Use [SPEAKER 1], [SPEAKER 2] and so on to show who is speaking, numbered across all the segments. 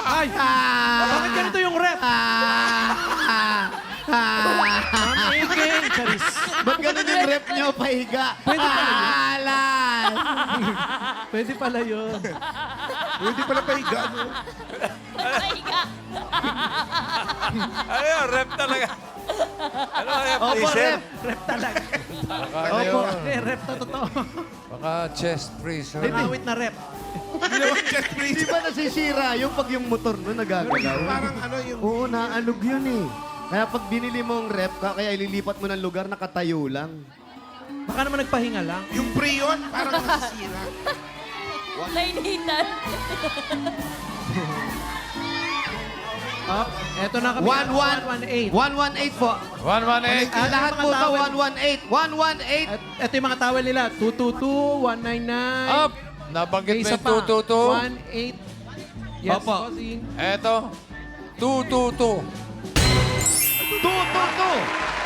[SPEAKER 1] Ay! Bakit ganito yung rep? Ma'am Iking, Charis.
[SPEAKER 2] Ba't ganun yung rep nyo, pahiga?
[SPEAKER 1] Pwede pala yun.
[SPEAKER 2] Alas!
[SPEAKER 1] Pwede pala yun.
[SPEAKER 3] Hindi pala pahiga, no?
[SPEAKER 4] Pahiga.
[SPEAKER 5] Ano yun? Rep talaga. Ano kaya?
[SPEAKER 2] Opo,
[SPEAKER 5] Freezer?
[SPEAKER 2] rep.
[SPEAKER 1] Rep talaga.
[SPEAKER 6] Baka,
[SPEAKER 1] Opo, hindi, rep na totoo.
[SPEAKER 6] baka chest freezer.
[SPEAKER 1] May awit na rep.
[SPEAKER 3] Hindi naman chest
[SPEAKER 2] Di
[SPEAKER 3] freezer.
[SPEAKER 2] ba nasisira yung pag yung motor mo nagagalaw?
[SPEAKER 3] Parang ano yung...
[SPEAKER 2] Oo, naalog yun eh. Kaya pag binili mo ang rep, kaya ililipat mo ng lugar, nakatayo lang.
[SPEAKER 1] Baka naman nagpahinga lang.
[SPEAKER 3] Yung Prion, parang nasisira.
[SPEAKER 4] Nainitan.
[SPEAKER 1] Up. Eto na kami.
[SPEAKER 2] 118. 118 po.
[SPEAKER 6] 118.
[SPEAKER 2] Ah, lahat po ito, 118. 118.
[SPEAKER 1] At eto yung mga towel nila. 222, 199.
[SPEAKER 6] Up! Nabanggit mo
[SPEAKER 1] Isa
[SPEAKER 6] yung
[SPEAKER 1] pa.
[SPEAKER 6] 222.
[SPEAKER 1] 18. Yes,
[SPEAKER 2] Opo.
[SPEAKER 1] bossing.
[SPEAKER 6] Eto, 222.
[SPEAKER 2] 222.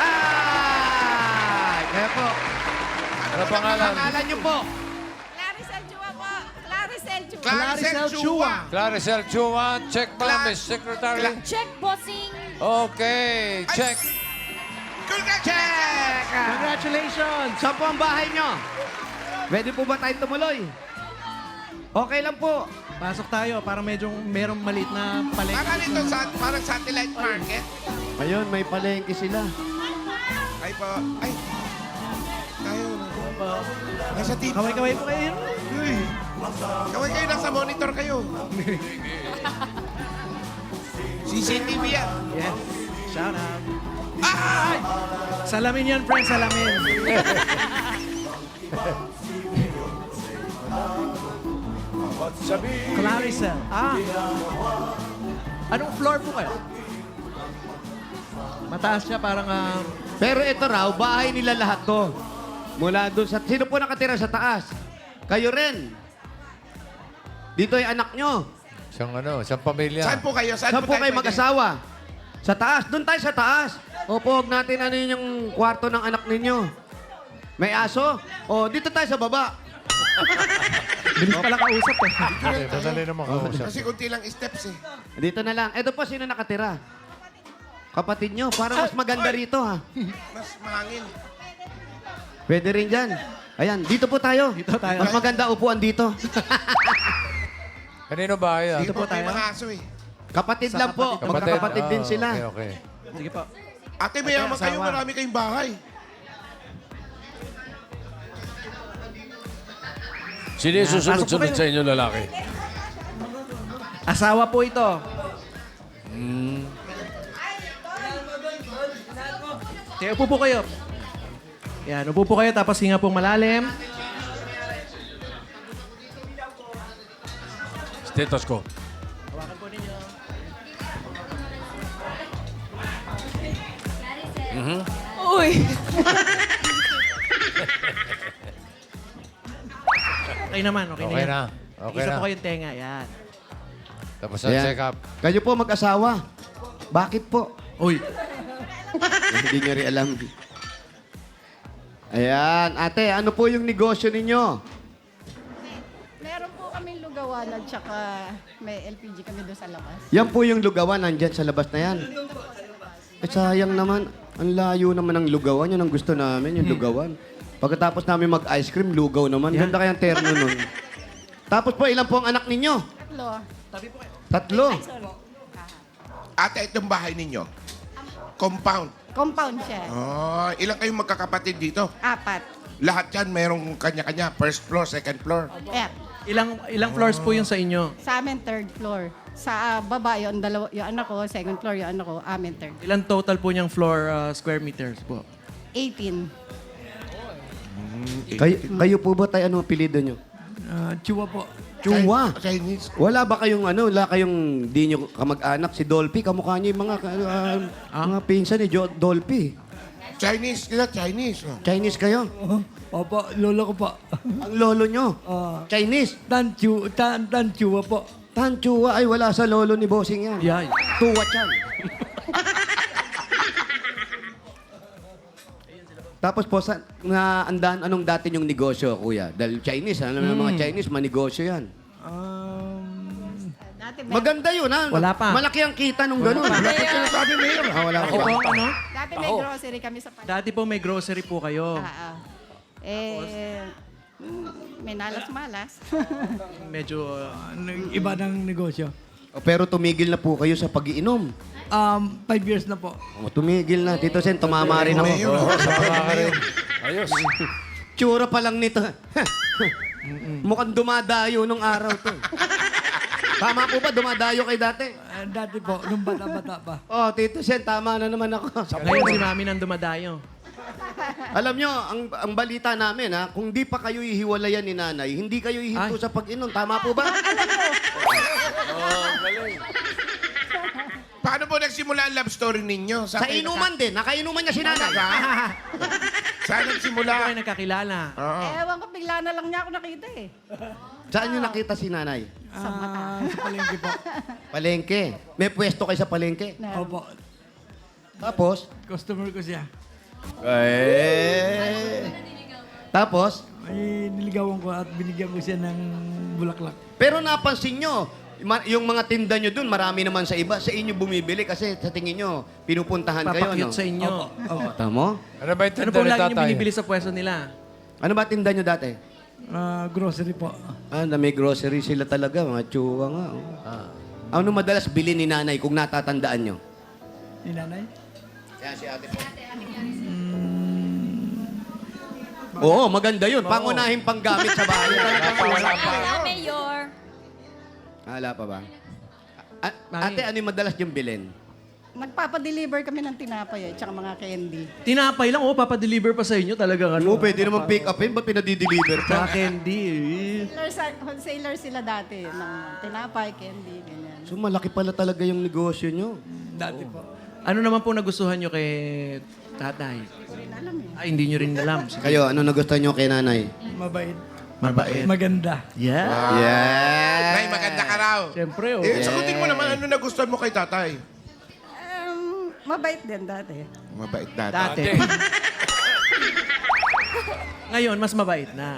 [SPEAKER 2] Ay! Kaya po,
[SPEAKER 6] Ano pangalan?
[SPEAKER 2] pangalan nyo po.
[SPEAKER 4] Claricel Chua po. Claricel Chua.
[SPEAKER 3] Claricel Chua.
[SPEAKER 6] Claricel Chua. Check ba, Miss Secretary?
[SPEAKER 4] Check, bossing.
[SPEAKER 6] Okay, check.
[SPEAKER 3] Check!
[SPEAKER 1] Congratulations!
[SPEAKER 2] Saan po ang bahay nyo? Pwede po ba tayong tumuloy? Okay lang po.
[SPEAKER 1] Pasok tayo para medyo merong maliit na palengke.
[SPEAKER 3] Parang ito, parang satellite market.
[SPEAKER 2] Ayun, may palengke sila.
[SPEAKER 3] Ay po. Ay. Tayo. Nasa TV.
[SPEAKER 1] Kaway-kaway po kayo.
[SPEAKER 3] Uy. Kaway kayo, nasa monitor kayo. CCTV yan.
[SPEAKER 1] Yes. Shout out. Ay! Salamin yan, friend. Salamin. Claricel. Ah. Anong floor po kayo? Mataas siya, parang...
[SPEAKER 2] Pero ito raw, bahay nila lahat to. Mula doon sa... Sino po nakatira sa taas? Kayo rin. Dito ay anak nyo.
[SPEAKER 6] Isang pamilya.
[SPEAKER 3] Saan po kayo?
[SPEAKER 2] Saan po kayo
[SPEAKER 3] pwede?
[SPEAKER 2] mag-asawa? Sa taas. Doon tayo sa taas. Opo, huwag natin ano yun yung kwarto ng anak ninyo. May aso? O, dito tayo sa baba.
[SPEAKER 1] Bilis pala kausap eh.
[SPEAKER 6] Okay, madali naman kausap.
[SPEAKER 3] Kasi kunti lang steps eh.
[SPEAKER 2] Dito na lang. Ito po, sino nakatira? Kapatid nyo. Parang mas maganda rito, ha?
[SPEAKER 3] Mas mahangin.
[SPEAKER 2] Pwede rin dyan. Ayan, dito po tayo.
[SPEAKER 1] Dito tayo.
[SPEAKER 2] Mas maganda upuan dito.
[SPEAKER 6] Kanino ba yan?
[SPEAKER 3] Dito
[SPEAKER 1] po
[SPEAKER 3] po tayo.
[SPEAKER 1] tayo.
[SPEAKER 3] Mga aso eh.
[SPEAKER 2] Kapatid
[SPEAKER 1] Sa
[SPEAKER 2] lang po.
[SPEAKER 1] kapatid.
[SPEAKER 2] Magkakapatid din
[SPEAKER 6] Ah,
[SPEAKER 2] sila.
[SPEAKER 6] Okay, okay.
[SPEAKER 1] Sige po.
[SPEAKER 3] Ate, mayaman kayo.
[SPEAKER 1] asawa.
[SPEAKER 3] Marami kayong bahay.
[SPEAKER 5] Sino yung susunod-sunod sa inyo lalaki?
[SPEAKER 1] Asawa po ito. Kaya upo po kayo. Yan, upo po kayo tapos hinga pong malalim.
[SPEAKER 5] Stethoscope.
[SPEAKER 4] Uy.
[SPEAKER 1] Okay naman, okay,
[SPEAKER 6] Okay
[SPEAKER 1] yan.
[SPEAKER 6] na. Okay
[SPEAKER 1] Isa
[SPEAKER 6] na.
[SPEAKER 1] po kayong tenga, yan.
[SPEAKER 6] Tapos ang
[SPEAKER 2] Ayan.
[SPEAKER 6] check up.
[SPEAKER 2] Kayo po mag-asawa. Bakit po?
[SPEAKER 1] Uy,
[SPEAKER 2] Hindi nyo rin alam. Ayan. Ate, ano po yung negosyo ninyo?
[SPEAKER 7] Meron po kaming lugawan at saka may LPG kami doon sa labas.
[SPEAKER 2] Yan po yung lugawan. Nandyan sa labas na yan. Eh, sayang naman. Ang layo naman ng lugawan. Yan ang gusto namin, yung lugawan. Pagkatapos namin mag-ice cream, lugaw naman.
[SPEAKER 1] Yan.
[SPEAKER 2] Ganda kayang terno nun. Tapos po, ilan po ang anak ninyo?
[SPEAKER 7] Tatlo.
[SPEAKER 2] 3.
[SPEAKER 3] Ate, itong bahay ninyo. Compound.
[SPEAKER 7] Compound siya.
[SPEAKER 3] Oh, ilang kayong magkakapatid dito?
[SPEAKER 7] 4.
[SPEAKER 3] Lahat yan, mayroong kanya-kanya. First floor, second floor.
[SPEAKER 7] Yeah.
[SPEAKER 1] ilang floors po yung sa inyo?
[SPEAKER 7] Sa amin, third floor. Sa baba, yung anak ko, second floor, yung anak ko, amin third.
[SPEAKER 1] Ilan total po niyang floor square meters po?
[SPEAKER 7] 18.
[SPEAKER 2] Kayo po ba tayo, ano apelido nyo?
[SPEAKER 1] Chua po.
[SPEAKER 2] Chua.
[SPEAKER 3] Chinese.
[SPEAKER 2] Wala ba kayong wala kayong di nyo kamag-anak si Dolphy? Kamukha niyo yung mga, mga pinsan ni Dolphy.
[SPEAKER 3] Chinese, sila Chinese. Oh.
[SPEAKER 2] Chinese kayo?
[SPEAKER 8] Opo, lolo ko po.
[SPEAKER 2] Ang lolo nyo? Chinese?
[SPEAKER 8] Tanchua po.
[SPEAKER 2] Tanchua ay wala sa lolo ni Bossing yan.
[SPEAKER 1] Yan.
[SPEAKER 2] Tuwa yan. Tapos po, anong dati yung negosyo, kuya? Dahil Chinese, alam mo mga Chinese, manegosyo yan.
[SPEAKER 7] Dati
[SPEAKER 2] Maganda yun, ha?
[SPEAKER 1] Wala pa.
[SPEAKER 2] Malaki ang kita nung gano'n.
[SPEAKER 3] Wala pa sinasabi, Mayor.
[SPEAKER 2] Wala
[SPEAKER 1] Ako po, ano?
[SPEAKER 7] Dati may grocery kami sa palengke.
[SPEAKER 1] Dati po may grocery po kayo.
[SPEAKER 7] May nalas-malas.
[SPEAKER 1] Medyo,
[SPEAKER 8] Iba ng negosyo.
[SPEAKER 2] Pero tumigil na po kayo sa pag-iinom.
[SPEAKER 8] 5 years na po.
[SPEAKER 2] Tumigil na. Tito Sen, tumama rin ako.
[SPEAKER 3] Mayor.
[SPEAKER 5] Ayos.
[SPEAKER 2] Tsura pa lang nito. Mukhang dumadayo nung araw to. Tama po ba? Dumadayo kay dati?
[SPEAKER 8] Dati po, nung bata-bata pa.
[SPEAKER 2] Oh, Tito Sen, tama na naman ako.
[SPEAKER 1] ngayon si Mami nang dumadayo.
[SPEAKER 2] Alam nyo, ang balita namin, ha, kung di pa kayo ihiwalayan ni nanay, hindi kayo ihinto
[SPEAKER 1] Ay.
[SPEAKER 2] sa pag-inom. Tama po ba?
[SPEAKER 3] Paano po nagsimula ang love story ninyo?
[SPEAKER 2] Sa inuman din. Nakainuman niya si nanay.
[SPEAKER 3] Saan
[SPEAKER 1] Kayo
[SPEAKER 3] nagsimula?
[SPEAKER 1] ay nagkakilala.
[SPEAKER 3] Oo.
[SPEAKER 7] Ewan ko, bigla na lang niya ako nakita eh.
[SPEAKER 2] Saan niyo nakita si nanay?
[SPEAKER 7] Sa mata.
[SPEAKER 8] Sa palengke po.
[SPEAKER 2] Palengke. May pwesto kayo sa palengke.
[SPEAKER 8] Opo.
[SPEAKER 2] Tapos?
[SPEAKER 8] Customer ko siya.
[SPEAKER 2] Tapos?
[SPEAKER 8] Ay, niligawan ko at binigyan ko siya ng bulaklak.
[SPEAKER 2] Pero napansin nyo, yung mga tinda nyo dun, marami naman sa iba. Sa inyo bumibili kasi sa tingin nyo, pinupuntahan kayo,
[SPEAKER 1] Papakyut
[SPEAKER 2] no?
[SPEAKER 1] sa inyo.
[SPEAKER 8] Opo.
[SPEAKER 2] Tamo?
[SPEAKER 6] Ano ba yung
[SPEAKER 1] Ano
[SPEAKER 6] tinda
[SPEAKER 1] po
[SPEAKER 6] ni
[SPEAKER 1] lagi niyo
[SPEAKER 6] tatay?
[SPEAKER 1] binibili sa pwesto nila?
[SPEAKER 2] Ano ba tinda nyo dati?
[SPEAKER 8] Grocery po.
[SPEAKER 2] Na may grocery sila talaga, mga tsuwa nga. Oh. Ano madalas bili ni nanay kung natatandaan nyo?
[SPEAKER 8] Ni nanay?
[SPEAKER 2] Yan si ate po. Oo, maganda yun. Pangunahing panggamit sa bahay.
[SPEAKER 4] Wala, Mayor.
[SPEAKER 2] Wala pa ba? Ate, ano yung madalas yung bilhin?
[SPEAKER 7] Nagpapadeliver kami ng tinapay tsaka mga candy.
[SPEAKER 1] Tinapay lang, pa-deliver pa sa inyo talaga.
[SPEAKER 2] Oo, pwede naman pick upin. Ba't pinadideliver
[SPEAKER 1] Sa
[SPEAKER 2] pa?
[SPEAKER 1] candy.
[SPEAKER 7] Wholesaler sila dati ng tinapay, candy, ganyan.
[SPEAKER 2] So malaki pala talaga yung negosyo nyo.
[SPEAKER 8] Dati po.
[SPEAKER 1] Ano naman po nagustuhan nyo kay tatay?
[SPEAKER 7] Alam eh.
[SPEAKER 1] Ay, hindi nyo rin alam.
[SPEAKER 2] Kayo, ano nagustuhan nyo kay nanay?
[SPEAKER 8] Mabait.
[SPEAKER 1] Mabait.
[SPEAKER 8] Maganda.
[SPEAKER 1] Yeah.
[SPEAKER 2] Yeah!
[SPEAKER 3] Nay, maganda ka raw.
[SPEAKER 1] Siyempre, oh.
[SPEAKER 3] Sagutin mo naman, ano nagustuhan mo kay tatay?
[SPEAKER 7] Mabait din dati.
[SPEAKER 3] Mabait dati.
[SPEAKER 1] Dati. Ngayon, mas mabait na.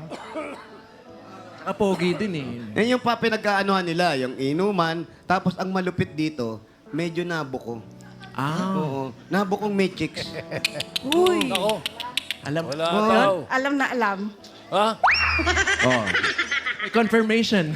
[SPEAKER 1] Kapogi din eh.
[SPEAKER 2] Yan yung pa pinagkaanohan nila, yung inuman. Tapos ang malupit dito, medyo nabuko.
[SPEAKER 1] Ah,
[SPEAKER 2] Oo. Nabukong may chicks.
[SPEAKER 7] Uy!
[SPEAKER 1] alam.
[SPEAKER 5] Wala
[SPEAKER 2] Oh.
[SPEAKER 5] daw.
[SPEAKER 7] Alam na alam.
[SPEAKER 5] Ha?
[SPEAKER 2] Oh.
[SPEAKER 1] May confirmation.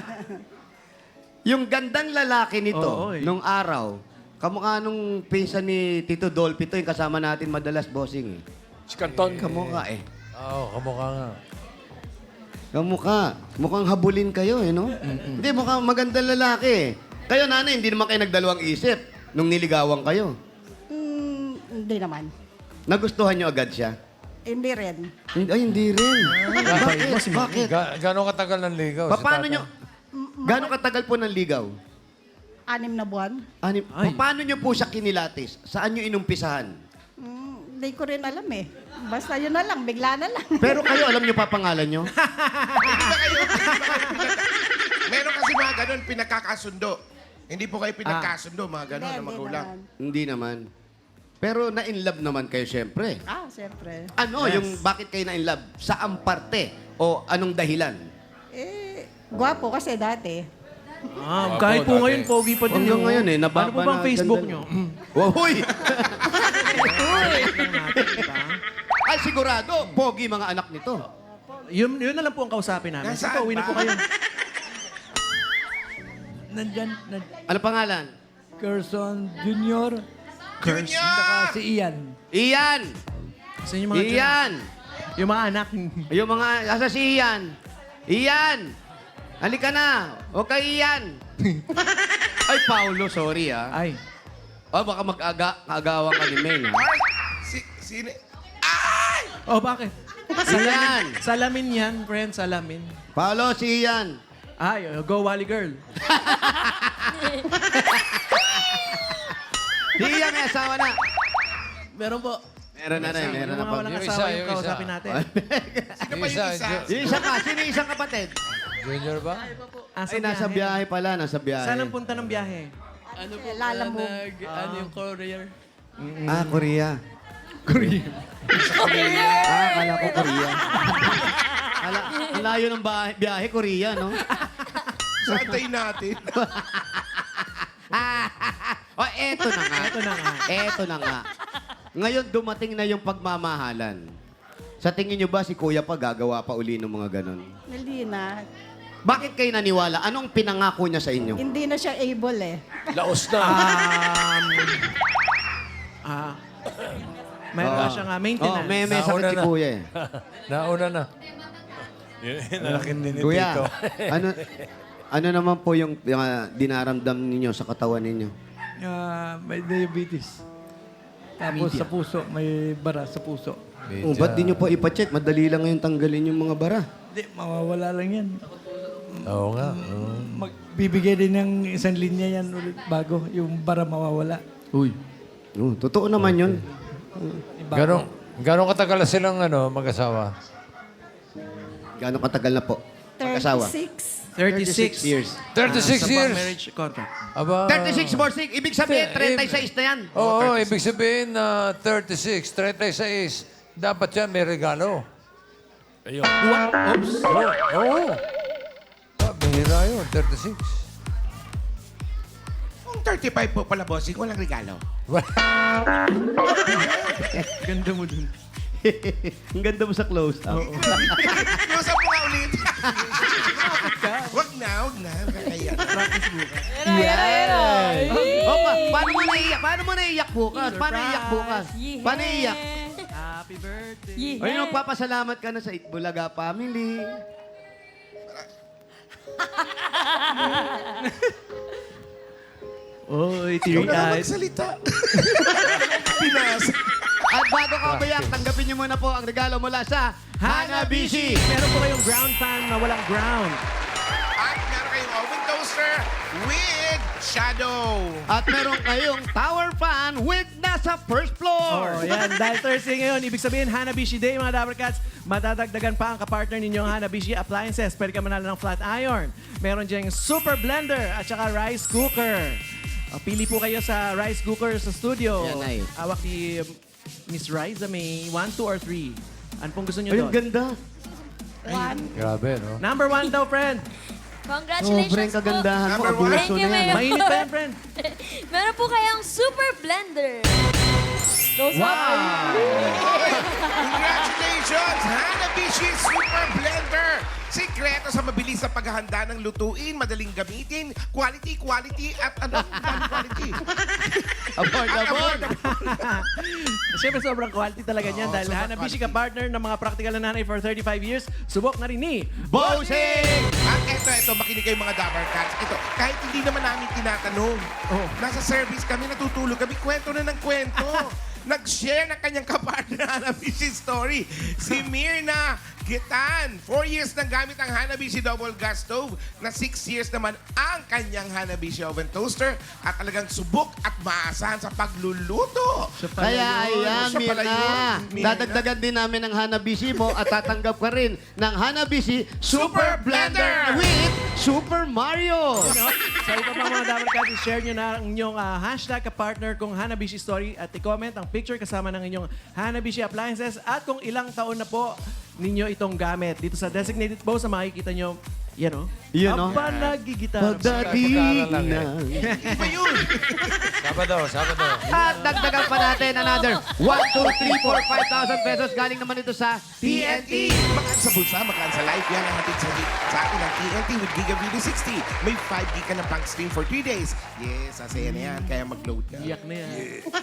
[SPEAKER 2] Yung gandang lalaki nito,
[SPEAKER 1] Oo, eh.
[SPEAKER 2] nung araw, kamukha nung pinsan ni Tito Dolphy to, yung kasama natin madalas bossing eh.
[SPEAKER 5] Si Canton.
[SPEAKER 2] Kamukha eh.
[SPEAKER 6] Oo, kamukha nga.
[SPEAKER 2] Kamukha. Mukhang habulin kayo eh, no? Hindi, mukhang magandang lalaki eh. Kayo, nanay, hindi naman kayo nagdalawang isip nung niligawan kayo.
[SPEAKER 7] Hindi naman.
[SPEAKER 2] Nagustuhan nyo agad siya?
[SPEAKER 7] Hindi rin.
[SPEAKER 2] Ay, hindi rin. Bakit? Bakit?
[SPEAKER 6] Gano'ng katagal ng ligaw? si
[SPEAKER 2] Paano
[SPEAKER 6] tatay?
[SPEAKER 2] nyo? Gano'ng katagal po ng ligaw?
[SPEAKER 7] 6 na buwan.
[SPEAKER 2] Ani,
[SPEAKER 1] Ay.
[SPEAKER 2] paano nyo po siya kinilatis? Saan nyo inumpisahan?
[SPEAKER 7] Hindi ko rin alam eh. Basta yun na lang, bigla na lang.
[SPEAKER 2] Pero kayo, alam nyo pa pangalan nyo?
[SPEAKER 3] Meron kasi mga ganun, pinagkakasundo. Hindi po kayo pinagkasundo, mga ganun na
[SPEAKER 7] Hindi
[SPEAKER 3] magulang.
[SPEAKER 7] naman.
[SPEAKER 2] Hindi naman. Pero na-inlove naman kayo, syempre.
[SPEAKER 7] Siyempre.
[SPEAKER 2] Ano, yung bakit kayo na-inlove? Saan parte? O anong dahilan?
[SPEAKER 7] Gwapo kasi dati.
[SPEAKER 1] Ah, kahit po
[SPEAKER 5] dati.
[SPEAKER 1] ngayon, pogi pa din.
[SPEAKER 2] Hanggang
[SPEAKER 1] oh.
[SPEAKER 2] ngayon eh,
[SPEAKER 1] Ano
[SPEAKER 2] nababa
[SPEAKER 1] po bang
[SPEAKER 2] na
[SPEAKER 1] Facebook
[SPEAKER 2] ganda.
[SPEAKER 1] nyo?
[SPEAKER 2] Wow, huy!
[SPEAKER 1] Lang natin, diba?
[SPEAKER 2] Ay, sigurado, pogi mga anak nito.
[SPEAKER 1] Yun na lang po ang kausapin namin. Sige
[SPEAKER 3] Nasaan
[SPEAKER 1] po, uwi na
[SPEAKER 3] ba?
[SPEAKER 1] po kayo.
[SPEAKER 8] Nandyan,
[SPEAKER 2] Ano pangalan?
[SPEAKER 8] Carson Junior.
[SPEAKER 3] Junior!
[SPEAKER 8] Saka si Ian.
[SPEAKER 2] Ian!
[SPEAKER 1] Sa inyo mga
[SPEAKER 2] Ian!
[SPEAKER 1] Yung mga anak.
[SPEAKER 2] Yung mga, asa si Ian? Ian! Halika na! Okay, Ian! Ay, Paulo, sorry ah.
[SPEAKER 1] Ay.
[SPEAKER 2] Oh, baka mag-agawan ka ni May, ha?
[SPEAKER 3] Sino?
[SPEAKER 1] Oh, bakit?
[SPEAKER 2] Ian!
[SPEAKER 1] Salamin yan, friend. Salamin.
[SPEAKER 2] Paulo, si Ian.
[SPEAKER 1] Ay, go Wally Girl.
[SPEAKER 2] Si Ian, may asawa na.
[SPEAKER 1] Meron po.
[SPEAKER 2] Meron na rin, meron
[SPEAKER 1] Yung
[SPEAKER 2] na
[SPEAKER 1] mga
[SPEAKER 2] po.
[SPEAKER 1] walang
[SPEAKER 6] Yung
[SPEAKER 1] asawa
[SPEAKER 6] isa,
[SPEAKER 1] yung
[SPEAKER 6] yung isa.
[SPEAKER 1] kausapin natin.
[SPEAKER 3] Sino pa yung isa?
[SPEAKER 2] Yung isa ka, sino yung isang kapatid?
[SPEAKER 6] Junior ba?
[SPEAKER 1] Asa
[SPEAKER 2] Ay, nasa biyahe pala, nasa biyahe.
[SPEAKER 1] Saan ang punta ng biyahe?
[SPEAKER 7] Ano po? Lalamove.
[SPEAKER 1] Ano yung courier?
[SPEAKER 2] Ah, Korea. Akala ko Korea. Ang layo ng biyahe, Korea, no?
[SPEAKER 3] Sa antayin natin.
[SPEAKER 2] O, eto na nga.
[SPEAKER 1] Ito na nga.
[SPEAKER 2] Eto na nga. Ngayon, dumating na yung pagmamahalan. Sa tingin nyo ba si Kuya pa gagawa pa uli ng mga ganon?
[SPEAKER 7] Hindi na.
[SPEAKER 2] Bakit kayo naniwala? Anong pinangako niya sa inyo?
[SPEAKER 7] Hindi na siya able eh.
[SPEAKER 5] Laos na.
[SPEAKER 1] Mayroon
[SPEAKER 2] Oo.
[SPEAKER 1] ka siyang maintenance.
[SPEAKER 2] may
[SPEAKER 5] Nauna
[SPEAKER 2] sakit si
[SPEAKER 5] na.
[SPEAKER 2] Kuya eh.
[SPEAKER 5] Nauna na. Nalaking din
[SPEAKER 2] Kuya,
[SPEAKER 5] dito.
[SPEAKER 2] ano naman po yung dinaramdam ninyo sa katawan ninyo?
[SPEAKER 8] May diabetes. Tapos sa puso, may bara sa puso.
[SPEAKER 2] Oh, ba't di nyo po ipacheck? Madali lang ngayon tanggalin yung mga bara.
[SPEAKER 8] Hindi, mawawala lang yan.
[SPEAKER 5] Oo nga.
[SPEAKER 8] Magbibigay din ng isang linya yan ulit bago yung bara mawawala.
[SPEAKER 1] Uy.
[SPEAKER 2] Oh, totoo naman yun.
[SPEAKER 5] Gano'ng katagal na silang mag-asawa?
[SPEAKER 2] Gano'ng katagal na po? Mag-asawa?
[SPEAKER 7] 36.
[SPEAKER 1] 36
[SPEAKER 2] years.
[SPEAKER 5] 36
[SPEAKER 1] sa
[SPEAKER 5] years.
[SPEAKER 1] marriage contract.
[SPEAKER 5] Aba.
[SPEAKER 2] 36 more 6. Ibig sabihin, 36 na yan.
[SPEAKER 5] Oo, ibig sabihin na 36, 36. Dapat yan may regalo. Ayun.
[SPEAKER 1] Oops.
[SPEAKER 5] Oo. Bihira yun, 36.
[SPEAKER 3] Kung 35 po pala, bossing, walang regalo.
[SPEAKER 1] Ganda mo dun.
[SPEAKER 2] Ang ganda mo sa close-up.
[SPEAKER 3] Close up mo nga ulit. Wag na. Kakaya.
[SPEAKER 2] Opa, paano mo naiyak? Paano mo naiyak bukas? Paano iyak bukas? Paano iyak?
[SPEAKER 1] Happy birthday.
[SPEAKER 4] Yeah.
[SPEAKER 2] Ay, magpapasalamat ka na sa Itbulaga family.
[SPEAKER 1] Oy,
[SPEAKER 3] Ikaw na lang
[SPEAKER 1] teary-eyed.
[SPEAKER 3] magsalita. Pinas.
[SPEAKER 2] At bago ka umayak, tanggapin niyo muna po ang regalo mula sa Hanabishi.
[SPEAKER 1] Meron po kayong ground fan na walang ground.
[SPEAKER 3] At meron kayong oven toaster with shadow.
[SPEAKER 2] At meron kayong tower fan with nasa first floor.
[SPEAKER 1] Oh, yan. Dahil Thursday ngayon, ibig sabihin, Hanabishi Day, mga Dabber Cats. Madadagdagan pa ang kapartner ninyong Hanabishi Appliances. Pwede ka manalo ng flat iron. Meron diyang super blender at saka rice cooker. Pili po kayo sa rice cooker sa studio.
[SPEAKER 2] Yan ay.
[SPEAKER 1] Awak ni Miss Riza may 1, 2, or 3. Ano pong gusto niyo
[SPEAKER 2] Ay,
[SPEAKER 1] doon?
[SPEAKER 2] ang ganda.
[SPEAKER 5] Grabe, no?
[SPEAKER 1] Number 1 daw, friend.
[SPEAKER 4] Congratulations
[SPEAKER 2] Sobrang kagandahan mo.
[SPEAKER 3] Number one.
[SPEAKER 2] Abuso
[SPEAKER 4] Thank you,
[SPEAKER 2] na yan.
[SPEAKER 4] Mayor.
[SPEAKER 1] Mainit pa yan, friend.
[SPEAKER 4] Meron po kayong super blender.
[SPEAKER 1] Wow!
[SPEAKER 3] Congratulations! Hanabishi Super Blender! Sikreto sa mabilis na paghahanda ng lutuin, madaling gamitin, quality, at quality.
[SPEAKER 2] Affordable.
[SPEAKER 1] Siyempre, sobrang quality talaga niyan dahil Hanabishi ka partner ng mga practical na nanay for 35 years. Subok na rin ni
[SPEAKER 2] Bossing!
[SPEAKER 3] At eto, makinig kayo mga Dabber Cats. Ito, kahit hindi naman namin tinatanong, nasa service kami, natutulog kami, kwento na ng kwento. Nag-share ng kanyang kapartner na Hanabishi story. Si Mirna Gitan. 4 years nang gamit ang Hanabishi double gas stove na 6 years naman ang kanyang Hanabishi oven toaster at talagang subok at maasahan sa pagluluto.
[SPEAKER 2] Kaya ayan,
[SPEAKER 3] Siya pala
[SPEAKER 2] Mirna.
[SPEAKER 3] yun. Mirna.
[SPEAKER 2] Dadagdagan din namin ng Hanabishi mo at tatanggap ka rin ng Hanabishi Super Blender with Super Mario.
[SPEAKER 1] No? Sa iba pa mga Dabber Cats, i-share nyo na ang inyong hashtag kapartner kong Hanabishi Story at i-comment ang picture kasama ng inyong Hanabishi Appliances at kung ilang taon na po ninyo itong gamit. Dito sa designated post na makikita nyo, yan o.
[SPEAKER 2] Yan, o.
[SPEAKER 1] Aba, nagigitar.
[SPEAKER 2] Pagdating
[SPEAKER 5] lang eh.
[SPEAKER 2] na.
[SPEAKER 3] Iba yun.
[SPEAKER 5] Sabado.
[SPEAKER 2] At dagdagan pa natin another 1, 2, 3, 4, 5,000 pesos. Galing naman ito sa
[SPEAKER 3] TNT. Makaan sa bulsa, makaan sa live. Yan ang hatid sa atin ng TNT with Giga Video 60. May 5 gig ka na pang stream for 3 days. Yes, asaya na yan. Kaya mag-load ka.
[SPEAKER 1] Iyak na yan.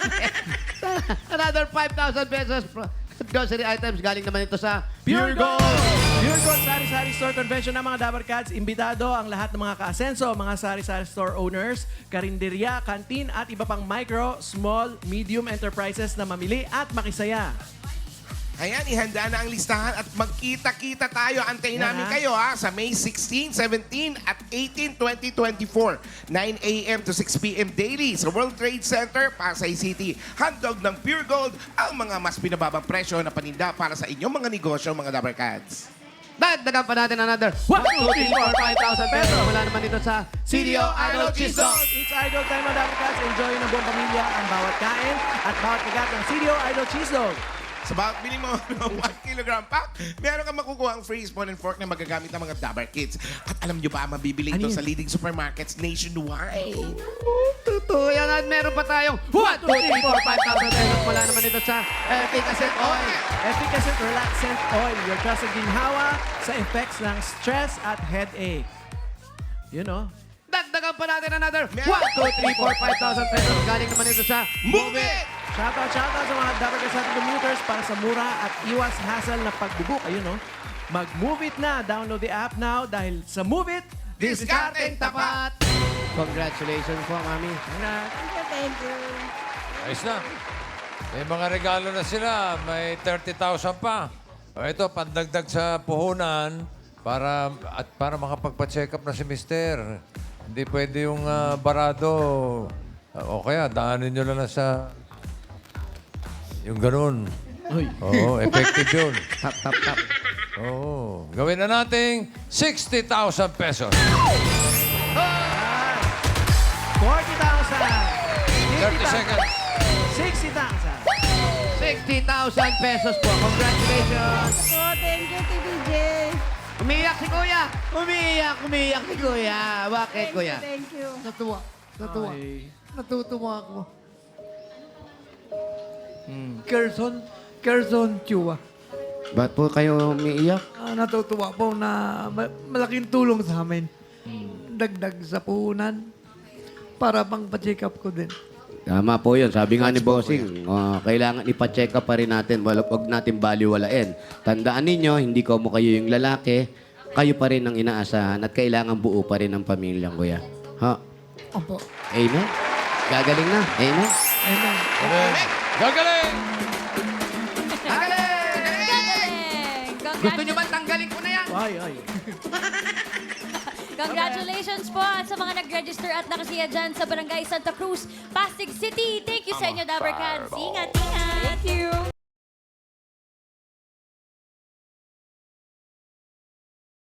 [SPEAKER 2] another 5,000 pesos. Grocery items. Galing naman ito sa
[SPEAKER 1] Pure Gold! Pure Gold Sari-Sari Store Convention ng mga Dabber Cats. Imbitado ang lahat ng mga ka-asenso, mga sari-sari store owners, karinderya, kantin at iba pang micro, small, medium enterprises na mamili at makisaya.
[SPEAKER 3] Ayan, ihanda na ang listahan at magkita-kita tayo. Antayin
[SPEAKER 1] Yan,
[SPEAKER 3] namin
[SPEAKER 1] ha?
[SPEAKER 3] kayo sa May 16, 17 at 18, 2024. 9 a.m. to 6 p.m. daily sa World Trade Center, Pasay City. Handog ng Pure Gold ang mga mas pinababang presyo na paninda para sa inyong mga negosyo, mga Dabber Cats.
[SPEAKER 2] Dagdagan pa natin another 1, 2, 3, 4, 5,000 pesos. Wala naman dito sa CDO Idol Cheese Dog.
[SPEAKER 1] It's Idol time, mga Dabber Cats. Enjoy ng buong pamilya ang bawat kain at bawat kagat ng CDO Idol Cheese Dog.
[SPEAKER 3] Sa bawat bili mo ng 1 kilogram pack, meron kang makukuha ang free spoon and fork na magagamit ng mga Dabber Kids. At alam nyo ba, mabibili ito sa leading supermarkets nationwide.
[SPEAKER 2] Totoo yan. At meron pa tayong 1, 2, 3, 4, 5,000 pesos. Wala naman ito sa Efficacent Oil.
[SPEAKER 1] Efficacent Relaxant Oil, your trusted ginhawa sa effects ng stress at headache. You know?
[SPEAKER 2] Dagdagan pa natin another 1, 2,
[SPEAKER 3] Meron.
[SPEAKER 2] 3, 4, 5,000 pesos. Galing naman ito sa
[SPEAKER 3] Move it!
[SPEAKER 1] Shoutout sa mga Dabber Cats natin commuters para sa mura at iwas hassle na pagbubook. Ayun, no? Mag-Move It na. Download the app now dahil sa Move It,
[SPEAKER 3] Discarding tapat!
[SPEAKER 2] Congratulations po, Mami.
[SPEAKER 7] Thank you.
[SPEAKER 5] Ayos na. May mga regalo na sila. May 30,000 pa. O ito, pandagdag sa puhunan para makapagpa-check up na si Mister. Hindi pwede yung barado. O kaya, daanin nyo lang na sa... Yung ganun. Oo, effective yun.
[SPEAKER 2] Tap, tap, tap.
[SPEAKER 5] Oo. Gawin na nating 60,000 pesos.
[SPEAKER 1] 40,000.
[SPEAKER 5] 30 seconds.
[SPEAKER 1] 60,000.
[SPEAKER 2] 60,000 pesos po. Congratulations.
[SPEAKER 7] Oh, thank you, TVJ.
[SPEAKER 2] Umiyak si Kuya. Umiyak si Kuya. Bakit, Kuya?
[SPEAKER 7] Thank you.
[SPEAKER 8] Natuwa.
[SPEAKER 1] Ay.
[SPEAKER 8] Natutuwa ako. Kerson Chua.
[SPEAKER 2] Ba't po kayo umiiyak?
[SPEAKER 8] Natutuwa po na malaking tulong sa amin. Dagdag sa puhunan para pang pa-check up ko din.
[SPEAKER 2] Tama po yun. Sabi nga ni Bossing, kailangan ipa-check up pa rin natin. Huwag natin baliwalain. Tandaan ninyo, hindi ko mo kayo yung lalaki. Kayo pa rin ang inaasahan at kailangan buo pa rin ang pamilyang kuya. Ha?
[SPEAKER 8] Opo.
[SPEAKER 2] Amen? Gagaling na. Amen?
[SPEAKER 8] Amen.
[SPEAKER 5] Gagaling!
[SPEAKER 4] Galing!
[SPEAKER 2] Gusto nyo ba tanggalin ko na yan?
[SPEAKER 1] Ay.
[SPEAKER 4] Congratulations po at sa mga nag-register at nakasiya dyan sa Barangay Santa Cruz, Pasig City. Thank you sa inyo, Dabber Cats. Ingat, ingat!